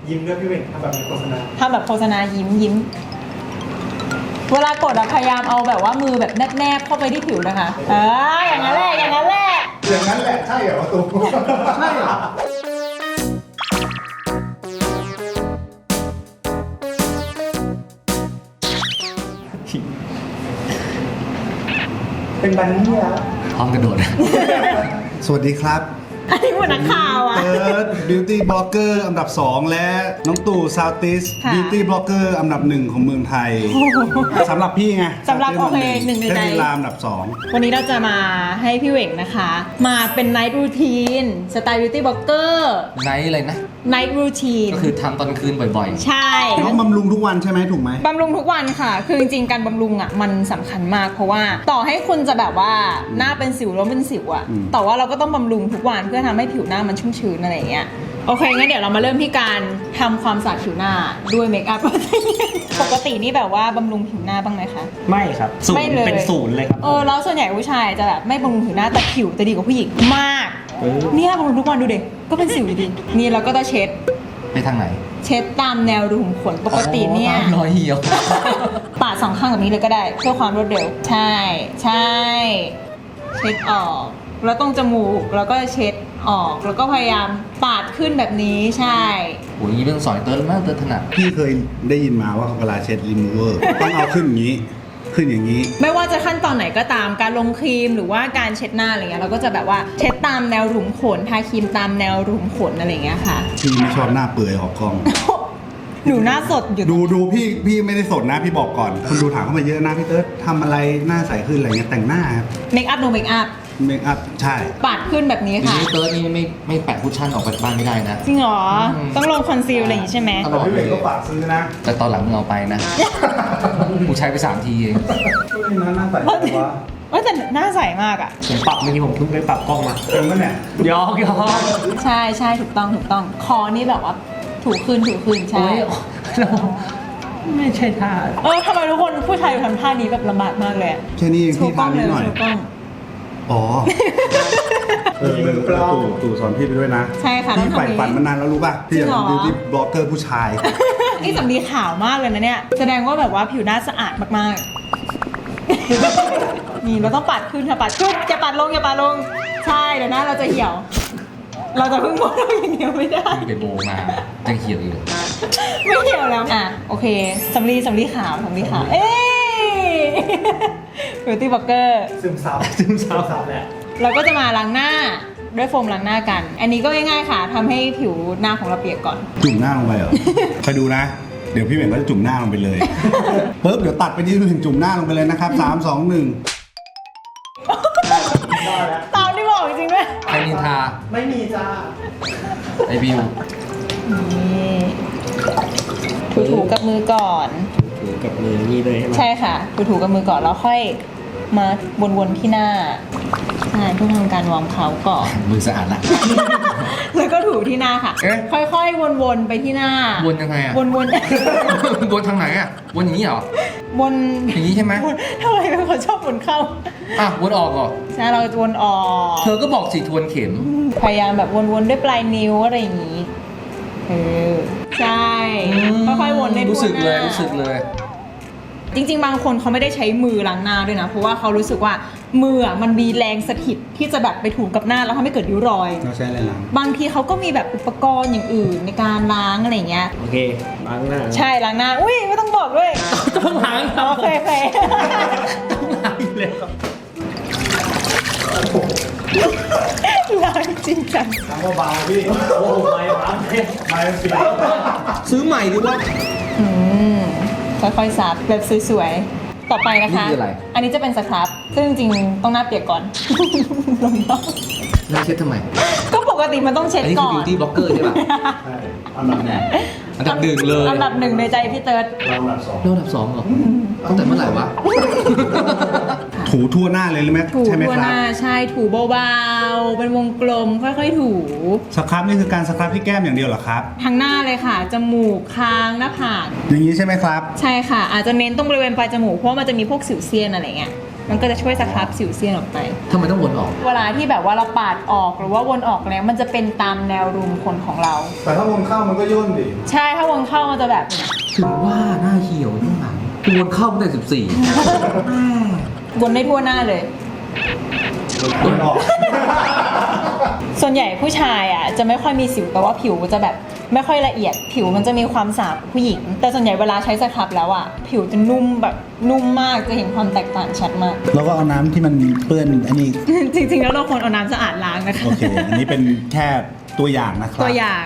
ยิ้มด้วยพี่เวงทำแบบโฆษณายิ้มเวลากดอะพยายามเอาแบบว่ามือแบบแนบเข้าไปที่ผิวนะคะอย่างนั้นแหละอย่างนั้นแหละใช่เหรอตูใช่เหรอเป็นบันนี่แล้วพร้อมกระโดดสวัสดีครับอันนี้เหมือนนักข่าวอะเติร์ดบิวตี้บล็อกเกอร์อันดับ 2 และน้องตู่ซาวติสค่ะบิวตี้บล็อกเกอร์อันดับ 1 ของเมืองไทยสำหรับพี่ไงสำหรับโอเคหนึ่งในใจเทพลีลาอันดับวันนี้เราจะมาให้พี่เหว่งนะคะ มาเป็นไนท์รูทีนสไตล์บิวตี้บล็อกเกอร์ไนท์อะไรนะไนท์รูทีนก็คือทำตอนคืนบ่อยใช่ 2น้องบำรุงทุกวันใช่ไหมถูกไหมบำรุงทุกวันค่ะ คือจริงๆการบำรุงอ่ะมันสำคัญมากเพราะว่าต่อให้คุณจะแบบว่าหน้าเป็นสิวแล้วเป็นสิวอ่ะแต่ว่าเราก็ต้องบำรุงทุกวันเพื่อทำให้ผิวหน้ามันชุ่มชื้นอะไรอย่างเงี้ยโอเคงั้นเดี๋ยวเรามาเริ่มที่การทำความสะอาดผิวหน้าด้วยเมคอัพ ปกตินี่แบบว่าบำรุงผิวหน้าบ้างไหมคะไม่ครับศูนไม่ย์เลยเป็นศูนย์เลยครับแล้วส่วนใหญ่ผู้ชายจะแบบไม่บำรุงผิวหน้าแต่ผิวจะดีกว่าผู้หญิงมากเนี่ยบำรุงทุกวันดูเด็กก็เป็นสิวอยู่ดีนี่เราก็จะเช็ดๆ ไปทางไหนเช็ดตามแนวรูขุมขนปกติเนี่ยอ๋อตามรอยเหี่ยวปาดสองข้างแบบนี้เลยก็ได้เพื่อความรวดเร็วใช่เช็ดออกแล้วตรงจมูกแล้วก็เช็ดออกแล้วก็พยายามปาดขึ้นแบบนี้ใช่โอ้ยนี่เรื่องสอนเติร์ดมากเติร์ดถนัดพี่เคยได้ยินมาว่าเวลาเช็ดรีมูเวอร์ต้องเอาขึ้นอย่างนี้ ขึ้นอย่างนี้ไม่ว่าจะขั้นตอนไหนก็ตามการลงครีมหรือว่าการเช็ดหน้าอะไรเงี้ยเราก็จะแบบว่าเช็ดตามแนวรูขุมขนทาครีมตามแนวรูขุมขนอะไรเงี้ยค่ะพี่ไม่ชอบหน้าเปื่อยออกกล้องหนูหน้าสดอยู่ดูพี่ไม่ได้สดนะพี่บอกก่อนคนดูถามเข้ามาเยอะนะพี่เติร์ดทำอะไรหน้าใสขึ้นอะไรเงี้ยแต่งหน้าครับเมคอัพโนเมคอัพเมคอัพใช่ปาดขึ้นแบบนี้ทีค่ะนี้เติร์ดนี่ไม่แปะคุชชั่นออกไปบ้านไม่ได้นะจริงเหรอต้องลงคอนซีลอะไรอย่างงี้ใช่ไหมตลอดเลยซื้อนะแต่ตอนหลังมึงเอาไปนะกูใช้ไป3 ทีเองหน้าใสวะแต่หน้าใสมากอ่ะผมปรับเมื่อกี้ผมเพิ่งไปปรับกล้องมาเต็มปะเนี่ยยอกใช่ถูกต้องคอนี่แบบว่าถูขึ้นใช่โอ้ยไม่ใช่ท่าทำไมทุกคนผู้ชายทำท่านี้แบบลำบากมากเลยอะแค่นี้เองโชพี่ว์กล้องทำนิเลดยหน่อยโชว์กล้องอ๋อตู่สอนพี่ไปด้วยนะใช่ค่ะต้อพี่งใฝ่ทำอย่างฝันนี้มานานแล้วรู้ป่ะพี่อยากจริงเหรอเป็นบิวตี้บล็อกเกอร์ผู้ชายนี่สำลีขาวมากเลยนะเนี่ยแสดงว่าแบบว่าผิวหน้าสะอาดมากๆ นี่เราต้องปัดขึ้นค่ะปัดขึ้นอย่าปัดลงใช่เดี๋ยวหน้าเราจะเหี่ยว เราจะพึ่งโบเราอย่างเดียวไม่ได้ไปโบมาจะเหี่ยวอีกเลยไม่เหี่ยวแล้วโอเคสำลีขาวเอ๊บิวตี้บล็อกเกอร์ซึมซับแหละเราก็จะมาล้างหน้าด้วยโฟมล้างหน้ากัน อันนี้ก็ง่ายๆค่ะทำให้ผิวหน้าของเราเปียกก่อนจุ่มหน้าลงไปเหรอ คอยดูนะ เดี๋ยวพี่เหม่งก็จะจุ่มหน้าลงไปเลยปุ๊บเดี๋ยวตัดไปที่ถึงจุ่มหน้าลงไปเลยนะครับ3 2 1 ตามที่บอกจริงๆด้วยใครนินทาไม่มีจ้าไอบิวนี่ถูๆกับมือก่อนถือกับมือนี่เลยใช่ไหมใช่ค่ะถูๆกับมือก่อนแล้วค่อยมาวนๆที่หน้าใช่เพื่อทำการวอร์มเขาก่อนมือสะอาดละแล้วก็ถูที่หน้าค่ะเอ๊ะค่อยๆวนๆไปที่หน้าวนยังไงอะวนวนทางไหนอะวนอย่างนี้เหรอๆวนอย่างนี้ใช่ไหมวนทำไมเป็นคนชอบวนเข้าวนออกเหรอใช่เราจะวนออกเธอก็บอกสิทวนเข็มพยายามแบบวนๆด้วยปลายนิ้วอะไรอย่างนี้ใช่ค่อยๆวนในรู้สึกทั่วหเลน้ายรู้สึกเลยจริงๆบางคนเขาไม่ได้ใช้มือล้างหน้าด้วยนะเพราะว่าเขารู้สึกว่ามือมันมีแรงสถิตที่จะแบบไปถูกับหน้าแล้วทำให้เกิดริ้วรอยเราใช้อะไรล้างบางทีเขาก็มีแบบอุปกรณ์อย่างอื่นในการล้างอะไรอย่างเงี้ยโอเคล้างหน้าใช่ล้างหน้าอุ้ยไม่ต้องบอกด้วยต้องล้างครับโอเคต้องล้างอยู่แล้วล้างจริงจังล้างเบาๆพี่โอ้ไม่ล้างไม่เสียซื้อใหม่ดีว่าค่อยๆซับแบบสวยๆ ต่อไปนะคะนี่คืออะไรอันนี้จะเป็นสครับซึ่งจริงๆต้องหน้าเปียกก่อน ลงต้องแล้วเช็ดทำไมก็ปกติมันต้องเช็ดอันนี้ก่คืออน beauty blogger ใช่ป่ะใช่อันดับไหนอันดับหนึ่งเลยอันดับหนึ่งในใจพี่เติร์ดเราอันดับ2 แล้วอันดับ2เหรอตั้งแต่เมื่อไหร่วะถูทั่วหน้าเลยหรือไหมถูใช่ไหมทั่วคหรับน้าใช่ถูเบาๆเป็นวงกลมค่อยๆถูสครับนี่คือการสครับที่แก้มอย่างเดียวเหรอครับทั้งหน้าเลยค่ะ จมูกคางหน้าผากอย่างนี้ใช่ไหมครับใช่ค่ะ อาจจะเน้นตรงบริเวณปลายจมูกเพราะว่ามันจะมีพวกสิวเซียนอะไรเงี้ยมันก็จะช่วยสครับสิวเซียนออกไปทำไมต้องวนออกเวลาที่แบบว่าเราปาดออกหรือว่าวนออกแล้วมันจะเป็นตามแนวรูมขนของเราแต่ถ้าวงเข้ามันก็ย่นดิใช่ถ้าวนเข้ามันจะแบบถึงว่าหน้าเหี่ยวข้างหลังวนเข้าตั้งแต่14 วนได้ทั่วหน้าเลยย่นออกส่วนใหญ่ผู้ชายอ่ะจะไม่ค่อยมีสิวแต่ว่าผิวจะแบบไม่ค่อยละเอียด ผิวมันจะมีความสาบผู้หญิง แต่ส่วนใหญ่เวลาใช้สครับแล้วอ่ะผิวจะนุ่มแบบนุ่มมากจะเห็นความแตกต่างชัดมากแล้วก็เอาน้ำที่มันเปื้อนอันนี้จริงๆแล้วเราควรเอาน้ำสะอาดล้างนะคะโอเค อันนี้เป็นแค่ตัวอย่างนะครับตัวอย่าง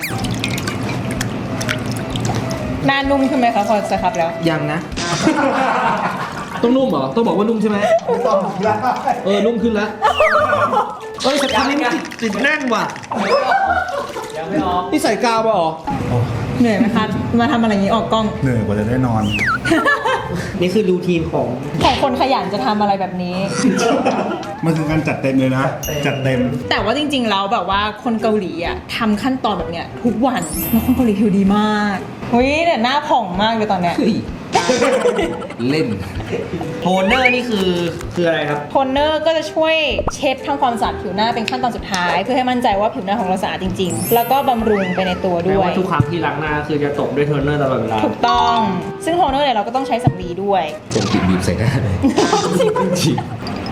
หน้านุ่มขึ้นไหมคะพอสครับแล้วยังนะ ต้องนุ่มเหรอ ต้องบอกว่านุ่มใช่ไหมต้องได้นุ่มขึ้นแล้วสครับนี่มันติดแน่นว่ะยังไม่ออกนี่ใส่กาวป่ะหรอเหนื่อยไหมคะมาทำอะไรอย่างนี้ออกกล้องเหนื่อยกว่าจะได้นอนนี่คือรูทีนของของคนขยันจะทำอะไรแบบนี้มันคือการจัดเต็มเลยนะ จัดเต็มแต่ว่าจริงๆแล้วแบบว่าคนเกาหลีอ่ะทำขั้นตอนแบบเนี้ยทุกวันแล้วคนเกาหลีผิวดีมากเฮ้ยแต่หน้าผ่องมากเลยตอนเนี้ยเล่น โทนเนอร์นี่คืออะไรครับโทนเนอร์ก็จะช่วยเช็ดทำความสะอาดผิวหน้าเป็นขั้นตอนสุดท้าย เพื่อให้มั่นใจว่าผิวหน้าของเราสะอาดจริงๆ แล้วก็บำรุงไปในตัวแปลด้วยว่าทุกครั้งที่ล้างหน้าคือจะตบด้วยโทนเนอร์ตลอดเวลาถูกต้อง ซึ่งโทนเนอร์เนี่ยเราก็ต้องใช้สำลีด้วยปกติบีบใส่หน้าเลยจริง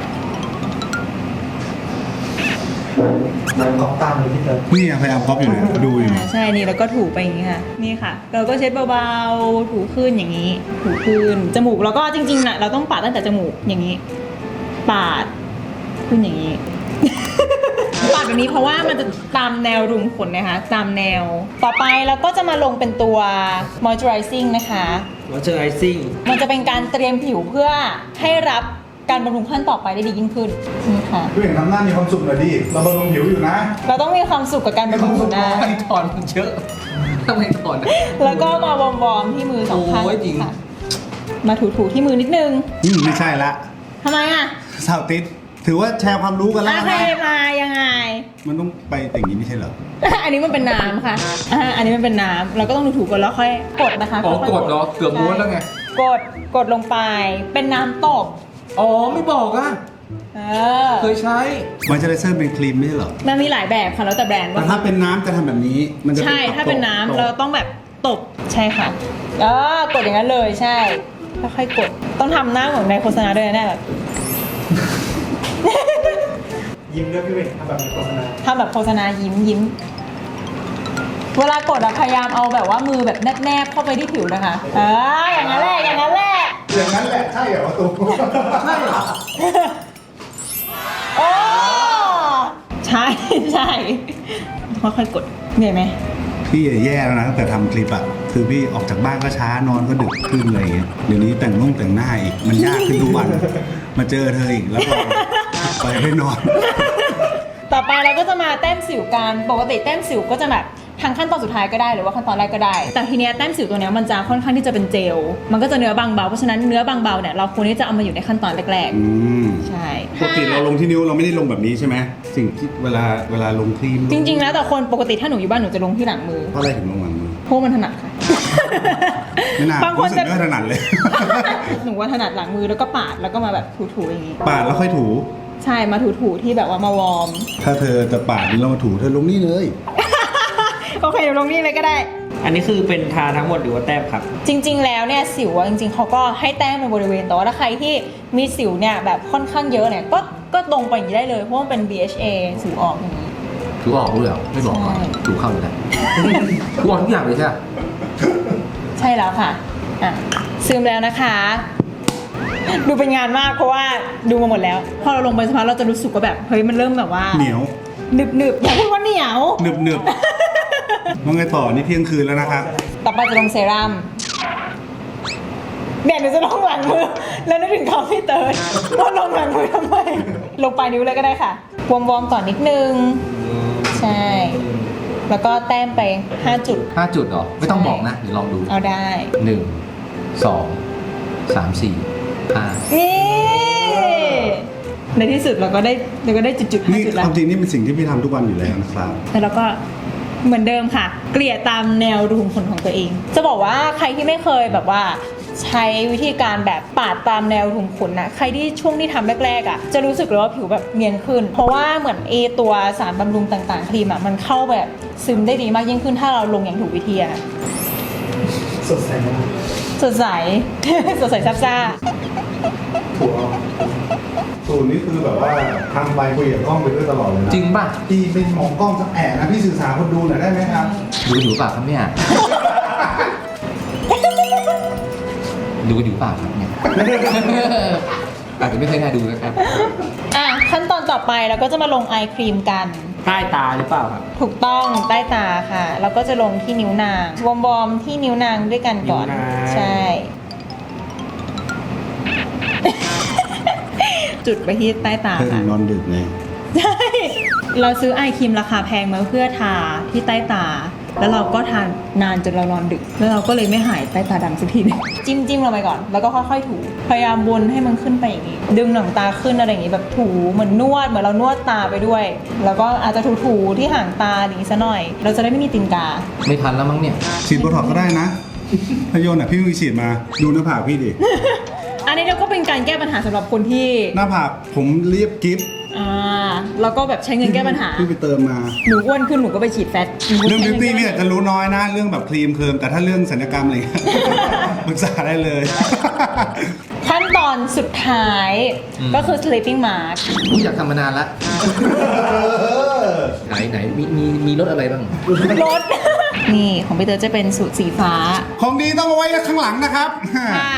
นี่พยายามก๊อปอยู่เนี่ยดูอยู่เนี่ยใช่นี่แล้วก็ถูไปอย่างนี้ค่ะนี่ค่ะ เราก็เช็ดเบาๆถูขึ้นอย่างนี้ ถูขึ้นจมูกแล้วก็จริงๆนะเราต้องปาดตั้งแต่จมูกอย่างนี้ ปาดขึ้นอย่างนี้ ปาดแบบนี้เพราะว่ามันจะตามแนวรูมขนนะคะตามแนว ต่อไปเราก็จะมาลงเป็นตัว moisturizing นะคะ moisturizing มันจะเป็นการเตรียมผิวเพื่อให้รับการบำรุงขั้นต่อไปได้ดียิ่งขึ้นนี่ค่ะพี่เห็นทำหน้ามีความสุขหน่อยดิ เราบำรุงผิวอยู่นะเราต้องมีความสุขกับการบำรุงผิวหน้าๆไม่ถอนมันเยอะทำไมถอนอะแล้วก็มาวอร์มๆที่มือสองข้างโอ้ยจริงค่ะมาถูๆที่มือนิดนึงไม่ใช่ละทำไมอ่ะสาวติดถือว่าแชร์ความรู้กันแล้วโอนะเคมายังไงมันต้องไปอย่างนี้ไม่ใช่เหรออันนี้มันเป็นน้ำค่ะอันนี้มันเป็นน้ำเราก็ต้องถูๆก่อนแล้วค่อยกดนะคะอ๋อค่ยๆกดเหรอเกือบม้วนแล้วไงกดลงไปเป็นน้ำตบอ๋อ ไม่บอกอ่ะ เคยใช้มอยเจอไรเซอร์เป็นครีมไม่ใช่เหรอมันมีหลายแบบค่ะแล้วแต่แบรนด์แต่ว่าถ้าเป็นน้ำจะทำแบบนี้ มันจะใช่ถ้าเป็นน้ำเราต้องแบบตบใช่ค่ะกดอย่างนั้นเลยใช่ค่อยๆกดต้องทำหน้าเหมือนในโฆษณาด้วยนะเนี่ยแบบยิ้มด้วยพี่เวกทำแบบในโฆษณาทำแบบโฆษณายิ้มเวลากดอะพยายามเอาแบบว่ามือแบบแนบๆเข้าไปที่ผิวนะคะอย่างนั้นแหละอย่างนั้นแหละอย่างนั้นแหละใช่เหรอตูใช่เหรอโอ้ใช่ใช่ค่อยๆกดเหนื่อยไหมพี่แย่แล้วนะตั้งแต่ทำคลิปอะคือพี่ออกจากบ้านก็ช้านอนก็ดึกขึ้นอะไรอย่างเงี้ยเดี๋ยวนี้แต่งหน้าอีกมันยากขึ้นทุกวัน มาเจอเธออีกแล้วก็ไปไม่นอนต่อไปเราก็จะมาแต้มสิวกันปกติแต้มสิวก็จะแบบทางขั้นตอนสุดท้ายก็ได้หรือว่าขั้นตอนแรกก็ได้ แต่ทีเนี้ยแต้มสิวตัวเนี้ยมันจะค่อนข้างที่จะเป็นเจลมันก็จะเนื้อบางเบาเพราะฉะนั้นเนื้อบางเบาเนี่ยเราควรที่จะเอามาอยู่ในขั้นตอนแรกอืมๆใช่ปกติเราลงที่นิ้วเราไม่ได้ลงแบบนี้ใช่ไหมสิ่งที่เวลาลงครีมจริงๆแล้วแต่คนปกติถ้าหนูอยู่บ้านหนูจะลงที่หลังมือเพราะอะไรถึงลงหลังมือเพราะมันถนัดค่ะไม่น่าบางคนรู้สึจะกไม่ถนัดเลยหนูว่าถนัดหลังมือแล้วก็ปาดแล้วก็มาแบบถูๆอย่างนี้ปาดแล้วค่อยถูใช่มาถูๆที่แบบว่ามาวอร์มถ้าเธอจะปาดนี่เรามาถูเธอลงนี่เลยโอเคเดี๋ยวลงนี่เลยก็ได้อันนี้คือเป็นทาทั้งหมดหรือว่าแต้มครับจริงๆ แล้วเนี่ยสิวอะจริงๆเขาก็ให้แต้มในบริเวณแต่ว่าถ้าใครที่มีสิวเนี่ยแบบค่อนข้างเยอะเนี่ยก็ลงไปอย่างนี้ได้เลยเพราะมันเป็น BHA สิวออกอย่างนี้ถูออกด้วยเหรอไม่บอกก่อนใช่ถูเข้าเลยนะ ถูออกทุกอย่างเลยใช่ไหมใช่แล้วค่ะอ่ะซึมแล้วนะคะ ดูเป็นงานมากเพราะว่าดูมาหมดแล้วพอเราลงไปสักพักเราจะรู้สึกว่าแบบเฮ้ยมันเริ่มแบบว่าเหนียวหนึบๆอย่าพูดว่าเหนียวหนึบหนึบว่าไงต่อนี่เที่ยงคืนแล้วนะครับต่อไปจะลงเซรั่มเนี่ยหนูจะลงหลังมือ แล้วนึกถึงคำพี่เติร์ดว่าลงหลังมือทำไม ลงปลายนิ้วเลยก็ได้ค่ะ วอร์มๆก่อนนิดนึง ใช่ แล้วก็แต้มไป 5 จุด 5 จุดเหรอ ไม่ต้องบอกนะ เดี๋ยวลองดูเอาได้ 1 2 3 4 5 นี่ ในที่สุดเราก็ได้จุดๆนี่ 5จุดคแล้ววามจริงนี่เป็นสิ่งที่พี่ทำทุกวันอยู่แล้วนะครับแล้วเราก็เหมือนเดิมค่ะ เกลี่ยตามแนวรูขุมขนของตัวเอง จะบอกว่าใครที่ไม่เคยแบบว่าใช้วิธีการแบบปาดตามแนวถุงขนนะใครที่ช่วงที่ทำแรกๆอ่ะจะรู้สึกเลยว่าผิวแบบเนียนขึ้น เพราะว่าเหมือนตัวสารบำรุงต่างๆครีมอ่ะมันเข้าแบบซึมได้ดีมากยิ่งขึ้นถ้าเราลงอย่างถูกวิธีอะสดใสมากสดใส สดใสซับซ่าถูกสูตรนี้คือแบบว่าทำไปคุยกับกล้องไปด้วยตลอดเลยนะจริงป่ะพี่เป็นมองกล้องสักแอะนะพี่สื่อสารคนดูหน่อยได้ไหมครับดูอยู่เปล่าครับเนี่ย ดูอยู่เปล่าครับเนี่ย อาจจะไม่เคยน่าดูนะครับอ่ะขั้นตอนต่อไปเราก็จะมาลงไอครีมกันใต้ตาหรือเปล่าครับถูกต้องใต้ตาค่ะ แล้วก็จะลงที่นิ้วนางวอมๆที่นิ้วนางด้วยกันก่อนนิ้วนางใช่ จุดไปที่ใต้ตาเพิ่งค่ะนอนดึกไงใช่ เราซื้อไอครีมราคาแพงมาเพื่อทาที่ใต้ตา แล้วเราก็ทานนานจนเรานอนดึก แล้วเราก็เลยไม่หายใต้ตาดำสักทีนึงจิ้มลงไปก่อน แล้วก็ค่อยๆถู พยายามวนให้มันขึ้นไปอย่างนี้ ดึงหนังตาขึ้นอะไรอย่างนี้แบบถูเหมือนนวดเหมือนเรานวดตาไปด้วย แล้วก็อาจจะถูๆที่ห่างตาอย่างนี้ซะหน่อย เราจะได้ไม่มีตีนกาไม่ทันแล้วมั้งเนี่ยฉีดโบท็อกซ์ก็ได้นะพยนต์อ่ะพี่มีฉีดมา ดูหน้าผากพี่ดิอันนี้เราก็เป็นการแก้ปัญหาสำหรับคนที่หน้าผากผมเรียบกิฟต์แล้วก็แบบใช้เงินแก้ปัญหาพี่ไปเติมมาหนูอ้วนขึ้นหนูก็ไปฉีดแฟตเรื่องบิวตี้พี่อาจจะรู้น้อยนะ เรื่องแบบครีมเคิร์มแต่ถ้าเรื่องศัลยกรรมอะไรเงี้ย ปรึกษาได้เลยขั้นตอนสุดท้ายก็คือ sleeping mask ผมอยากทำมานานละ ไหนมีรถอะไรบ้างรถ นี่ของพี่เตอร์จะเป็นสูตรสีฟ้าของดีต้องเอาไว้ข้างหลังนะครับค่ะ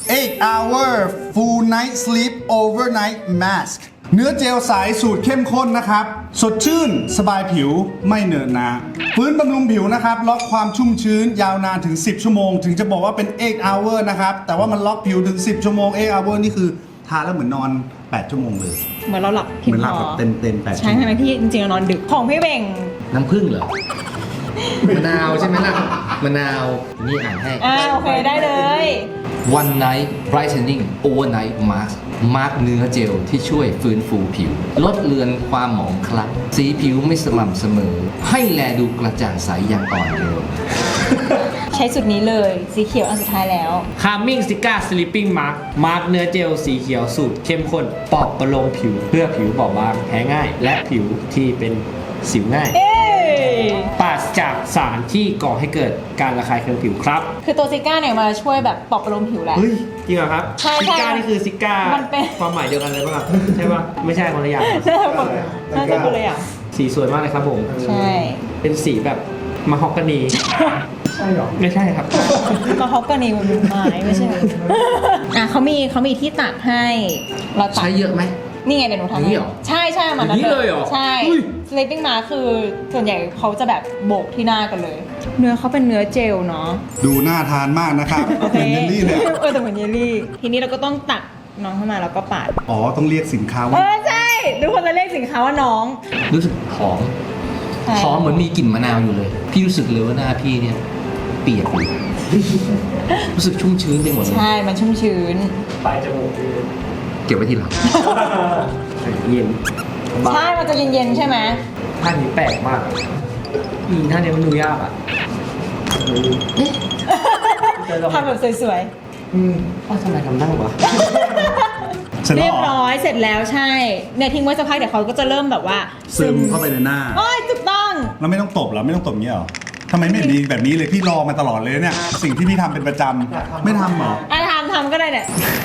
8 hour full night sleep overnight mask เนื้อเจลใสสูตรเข้มข้นนะครับ สดชื่น สบายผิวไม่เหนอะหนะฟื้นบำรุงผิวนะครับ ล็อกความชุ่มชื้นยาวนานถึง 10 ชั่วโมง ถึงจะบอกว่าเป็น 8 hour นะครับ แต่ว่ามันล็อกผิวถึง 10 ชั่วโมง 8 hour นี่คือทาแล้วเหมือนนอน 8 ชั่วโมงเลยเหมือนเราหลับเหมือนหลับแบบเต็มๆ8 ใช่ไหมพี่จริงๆเรานอนดึกของพี่เบ่งน้ำผึ้งเหรอ มะนาวใช่ไหมล่ะ มะนาว นี่อ่านให้โอเคได้เลย One Night Brightening Overnight Mask มาร์กเนื้อเจลที่ช่วยฟื้นฟูผิว ลดเลือนความหมองคล้ำสีผิวไม่สม่ำเสมอ ให้แลดูกระจ่างใสอย่างอ่อนโยนใช้สูตรนี้เลยสีเขียวอันสุดท้ายแล้ว Calming Cica Sleeping Mask มาร์กเนื้อเจลสีเขียวสูตรเข้มข้นปลอบประโลมผิวเพื่อผิวบอบบางแพ้ง่าย และผิวที่เป็นสิวง่าย ปราศจากสารที่ก่อให้เกิดการระคายเคืองผิวครับคือตัวซิก้าเนี่ยมาช่วยแบบปลอบประโลมผิวแหละเฮ้ย จริงเหรอครับใช่ซิก้านี่คือซิก้ามันเป็นความหมายเดียวกันเลยป่ะครับ ใช่ป่ะ ไม่ใช่คนละอย่างน่าจะคนละอย่างสีสวยมากเลยครับผมใช่เป็นสีแบบมะฮอกกานี ใช่หรอ ไม่ใช่ครับก็ฮอกกานีมันเป็นไม้ไม่ใช่เหรอเขามีที่ตักให้เราตักใช้เยอะไหมนี่ไงเดี๋ยวหนูทำอย่างนี้เหรอใช่มันอย่างนี้เลยเหรอใช่อุ้ย sleeping mask คือส่วนใหญ่เขาจะแบบโบกที่หน้ากันเลย เนื้อเขาเป็นเนื้อเจลเนาะดูน่าทานมากนะครับโอเคเหมือนเยลลี่เลยแต่เหมือนเยลลี่ ทีนี้เราก็ต้องตักน้องเข้ามาแล้วก็ปาดอ๋อ ต้องเรียกสินค้าว่าใช่ทุกคนจะเรียกสินค้าว่าน้องรู้สึกหอมใช่หอมเหมือนมีกลิ่นมะนาวอยู่เลย พี่รู้สึกเลยว่าหน้าพี่เนี่ย เปียกอยู่ รู้สึกชุ่มชื้นไปหมดเลยใช่มันชุ่มชื้นปลายจมูกเก็บไว้ทีหลังเย็นใช่มันจะเย็นๆใช่ไหมท่านี้แปลกมากท่านี้มันดูยากอ่ะทำแบบสวยทำไมทำได้วะเสร็จๆแล้เรีวยบเหรอร้อยเสร็จแล้วใช่เนี่ยทิ้งไว้สักพักเดี๋ยวเขาก็จะเริ่มแบบว่าซึมเข้าไปในหน้าโอ้ยถูกต้องแล้วไม่ต้องตบเหรอ ไม่ต้องตบเงี้ยเหรอทำไมไม่ดีแบบนี้เลยพี่รอมาตลอดเลยเนี่ย สิ่งที่พี่ทำเป็นประจำไม่ทำเหรอทำก็ได้เนี่ย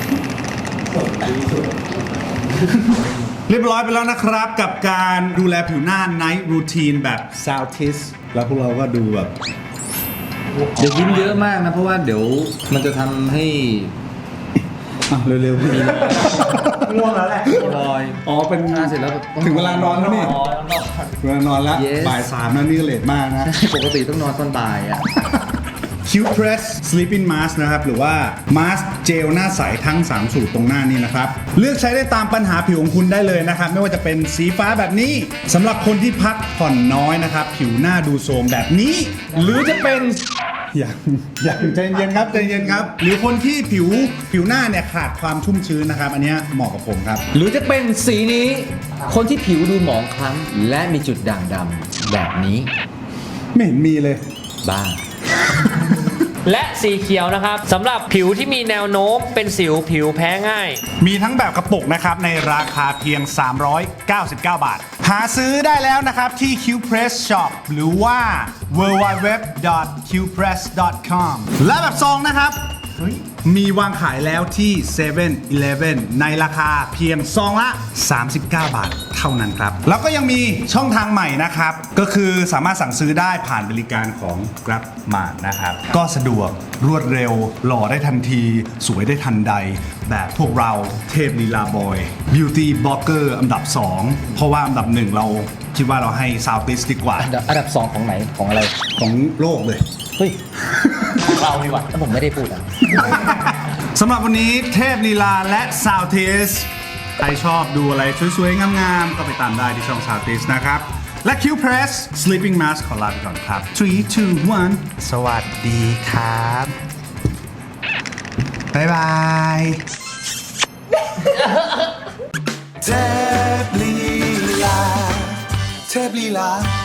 เรียบร้อยไปแล้วนะครับกับการดูแลผิวหน้า Night Routine แบบ Southeast แล้วพวกเราก็ดูแบบเดี๋ยวยิ้มเยอะมากนะ เพราะว่าเดี๋ยวมันจะทำให้เร็วๆพี่ง่วงแล้วแหละรอยอ๋อเป็นเสร็จแล้วถึงเวลานอนแล้วนี่เวลานอนแล้ว Yes บ่าย 3แล้วนี่ก็เลทมากนะปกติต้องนอนตอนบ่ายอ่ะ Cute Press Sleeping Mask นะครับ หรือว่า Mask เจลหน้าใสทั้ง 3 สูตรตรงหน้านี้นะครับ เลือกใช้ได้ตามปัญหาผิวของคุณได้เลยนะครับ ไม่ว่าจะเป็นสีฟ้าแบบนี้สำหรับคนที่พักผ่อนน้อยนะครับ ผิวหน้าดูโทรมแบบนี้ หรือจะเป็น อย่างใจเย็นครับใจเย็นครับ หรือคนที่ผิวหน้าเนี่ยขาดความชุ่มชื้นนะครับ อันเนี้ยเหมาะกับผมครับหรือจะเป็นสีนี้ คนที่ผิวดูหมองคล้ำและมีจุดด่างดำแบบนี้ไม่เห็นมีเลยบ้าและสีเขียวนะครับสำหรับผิวที่มีแนวโน้มเป็นสิวผิวแพ้ง่ายมีทั้งแบบกระปุกนะครับในราคาเพียง 399 บาท หาซื้อได้แล้วนะครับที่ Qpress Shop หรือว่า www.qpress.com และแบบซองนะครับมีวางขายแล้วที่ 7-Eleven ในราคาเพียงซองละ 39 บาทเท่านั้นครับ แล้วก็ยังมีช่องทางใหม่นะครับ ก็คือสามารถสั่งซื้อได้ผ่านบริการของ GrabMart นะครับ ก็สะดวกรวดเร็วหล่อได้ทันที สวยได้ทันใด แบบพวกเราเทพลีลาบอย Beauty Blogger อันดับ 2 เพราะว่าอันดับ 1 เราคิดว่าเราให้ Southeast ดีกว่าอันดับ2ของไหนของอะไรของโลกเลยเฮ้ยของเราดีกว่าถ้าผมไม่ได้พูดอ่ะสำหรับวันนี้เทพลีลาและ Southeast ใครชอบดูอะไรสวยๆ งามๆ ก็ไปตามได้ที่ช่อง Southeast นะครับ และ Qpress Sleeping Mask ขอลาไปก่อนครับ 3 2 1 สวัสดีครับ บ๊ายบายเทพลีลา